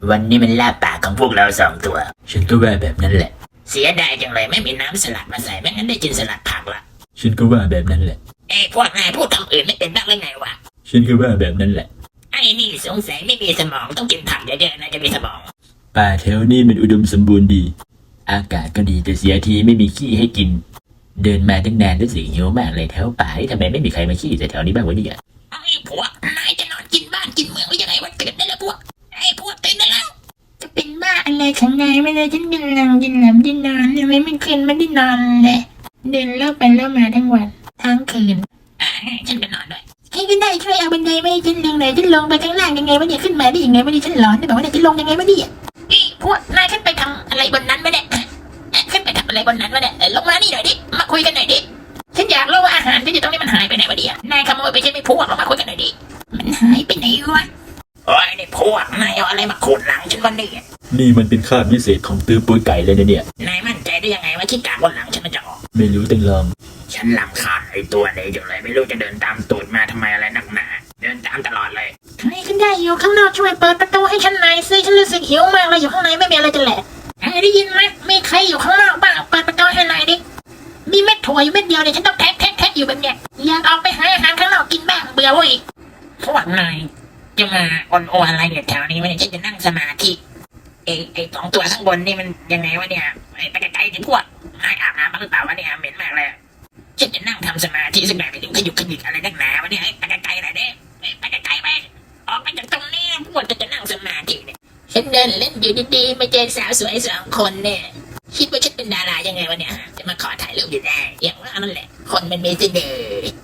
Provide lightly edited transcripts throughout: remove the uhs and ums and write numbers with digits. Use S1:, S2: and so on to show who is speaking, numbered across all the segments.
S1: วันนี้มันลาบปากของพวกเรา2 ตัว ฉันก็ว่าแบบนั้นแหละเสียดายจังเลยไม่มีน้ำสลัดมาใส่ไม่งั้นได้กินสลัดผักละฉันก็ว่าแบบนั้นแหละพวกนายพูดคำอื่นไม่เป็นบ้างหรือไงวะฉันก็ว่าแบบนั้นแหละไอ้นี่สงสัยไม่มีสมองต้องกินผักเยอะๆนะจะมีสมองป่าแถวนี้มันอุดมสมบูรณ์ดีอากาศก็ดีแต่เสียทีไม่มีขี้ให้กินเดินมาตั้งนานรู้สึกหิวมากเลยแถวป่าที่ทำไมไม่มีใครมาขี้แต่แถวนี้บ้างวะเนี่ยไอ้พวกนายจะนอนกินบ้านกินเมืองหรือยังไงวะตื่นได้แล้วพวกไอ้พวกตื่นได้แล้วจะเป็นบ้าอะไรของนายไม่ได้ฉันกินหลังกินหลับกินนอนทำไมไม่คืนไม่ได้นอนเลยเดินเล่าไปเล่ามาทั้งวันทั้งคืนฉันก็นอนด้วยใครก็ได้ช่วยเอาบันไดไม่ฉันลงหน่อยฉันลงไปข้างล่างยังไงวะเนี่ยขึ้นมาได้ยังไงวะเนี่ยฉันหลอนได้บอกว่าเนี่ยฉันลงยังไงวะเนี่ยพวกนายขึ้นไปทำอะไรบนนั้นไหมเนี่ยขึ้นไปทำอะไรบนนั้นวะเนี่ยลงมานี่หน่อยดิมาคุยกันหน่อยดิฉันอยากรู้ว่าอาหารที่อยู่ตรงนี้มันหายไปไหนวะเนี่ยนายขโมยไปใช่ไหมพวกเรามาคุยกันหน่อยดิมันหายไปไหนวะโอ้ยนี่พวกนายเอาอะไรมาขูดหลังฉันวันนี้นี่มันเป็นคราบพิเศษของตื้อปุ้ยไก่เลยนะเนี่ยนายมั่นใจได้ยังไงว่าขี้กากบนหลังฉันมันจะออกไม่รู้ตึงลองฉันรำคาญไอ้ตัวนี้อยู่เลยไม่รู้จะเดินตามตูดมาทำไมอะไรนักหนาเดินตามตลอดเลยใครก็ได้อยู่ข้างนอกช่วยเปิดประตูให้ฉันหน่อยสิฉันรู้สึกหิวมากเลยอยู่ข้างในไม่มีอะไรจะแหละได้ยินไหมมีใครอยู่ข้างนอกบ้างเปิดประตูให้หน่อยดิมีเม็ดถั่วอยู่เม็ดเดียวเนี่ยฉันต้องแทะอยู่แบบเนี้ยอยากออกไปหาอาหารข้างนอกกินบ้างเบื่อเว้ยพวกนายจะมาอ่อนโออะไรเนี่ยแถวนี้วะเนี่ยฉันจะนั่งสมาธิไอ้2 ตัวข้างบนนี่มันยังไงวะเนี่ยไปไกลๆดิพวกนายอาบน้ำบ้างหรือเปล่าวะเนี่ยเหม็นมากเลยฉันจะนั่งทำสมาธิสักหน่อยไม่ถึงขยุกอะไรนักหนาวะเนี่ยไปไกลๆหน่อยดิไปไกลๆไปออกไปจากตรงนี้พวกจะนั่งสมาธิเนี่ยฉันเดินเล่นอยู่ดีๆมาเจอสาวสวย2 คนเนี่ยคิดว่าฉันเป็นดารายังไงวะเนี่ยจะมาขอถ่ายรูปอยู่ได้อย่างว่านั่นแหละคนมันมีเสน่ห์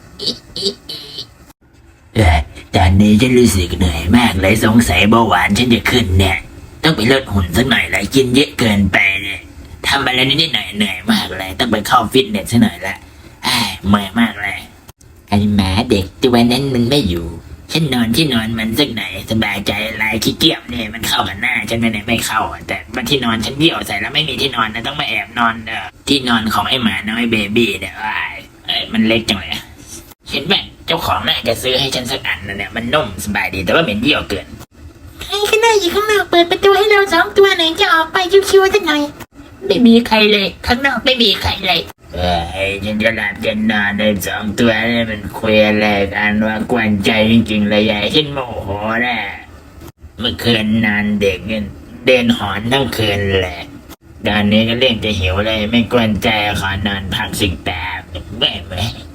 S1: ตอนนี้ฉันรู้สึกเหนื่อยมากเลยสงสัยเบาหวานฉันจะขึ้นเนี่ยต้องไปลดหุ่นสักหน่อยเลยกินเยอะเกินไปเนี่ยทำอะไรนิดๆหน่อยเหนื่อยมากเลยต้องไปเข้าฟิตเนสสักหน่อยละเมื่อยมากเลยไอ้หมาเด็กตัวนั้นมันไม่อยู่ฉันนอนที่นอนมันสักหน่อยสบายใจอะไรขี้เกียจเนี่ยมันเข้ากับหน้าฉันไม่เข้าแต่ว่าที่นอนฉันเดี่ยวใส่แล้วไม่มีที่นอนนะต้องมาแอบนอนที่นอนของไอ้หมาน้อยเบบี้เนี่ยมันเล็กจังเลยเห็นไหมเจ้าของน่าจะซื้อให้ฉันสักอันนะเนี่ยมันนุ่มสบายดีแต่ว่าเหม็นเยี่ยวเกินใครก็ได้อยู่ข้างนอกเปิดประตูให้เรา2 ตัวหน่อยจะออกไปชิวๆสักหน่อยไม่มีใครเลยข้างนอกไม่มีใครเลยฉันจะหลับจะนอนใน2 ตัวนี่มันคุยอะไรกันว่ากวนใจจริงๆเลยใหญ่ฉันโมโหนะเมื่อคืนนอนเด็กเดินหอนทั้งคืนเลยตอนนี้ก็เล่นจะหิวเลยไม่กวนใจขอนอนพักสิแป๊บแม่